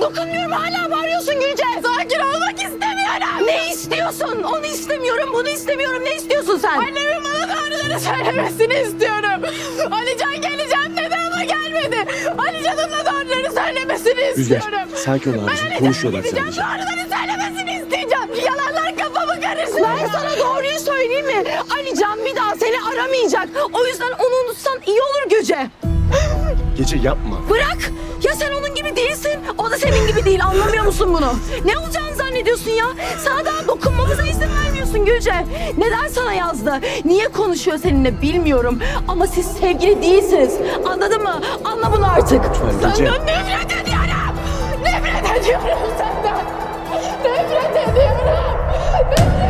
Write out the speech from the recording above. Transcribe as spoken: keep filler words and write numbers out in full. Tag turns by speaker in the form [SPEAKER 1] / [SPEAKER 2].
[SPEAKER 1] dokunmuyorum, hala bağırıyorsun Gülce. Sakin olmak istemiyorum. Ne istiyorsun? Onu istemiyorum, bunu istemiyorum. Ne istiyorsun sen? Annemin bana doğruları söylemesini istiyorum. Alican geleceğim dedi ama gelmedi. Alican'ın da doğruları söylemesini
[SPEAKER 2] Rüzgar,
[SPEAKER 1] istiyorum.
[SPEAKER 2] sakin ol abicim. Konuşuyorlar
[SPEAKER 1] Gideceğim,
[SPEAKER 2] sadece.
[SPEAKER 1] doğruları söylemesini isteyeceğim. Yalanlar kafamı karıştırıyor. Ben sana doğruyu söyleyeyim mi? Alican bir daha seni aramayacak. O yüzden onu unutsan iyi olur Gülce.
[SPEAKER 2] Gece yapma.
[SPEAKER 1] Bırak! Ya sen onun gibi değilsin. O da senin gibi değil. Anlamıyor musun bunu? Ne olacağını zannediyorsun ya? Sana daha dokunmamıza izin vermiyorsun Gülce. Neden sana yazdı? Niye konuşuyor seninle bilmiyorum. Ama siz sevgili değilsiniz. Anladın mı? Anla bunu artık.
[SPEAKER 2] Lütfen Gülce.
[SPEAKER 1] Senden nefret ediyorum. Nefret ediyorum senden. Nefret ediyorum. Nefret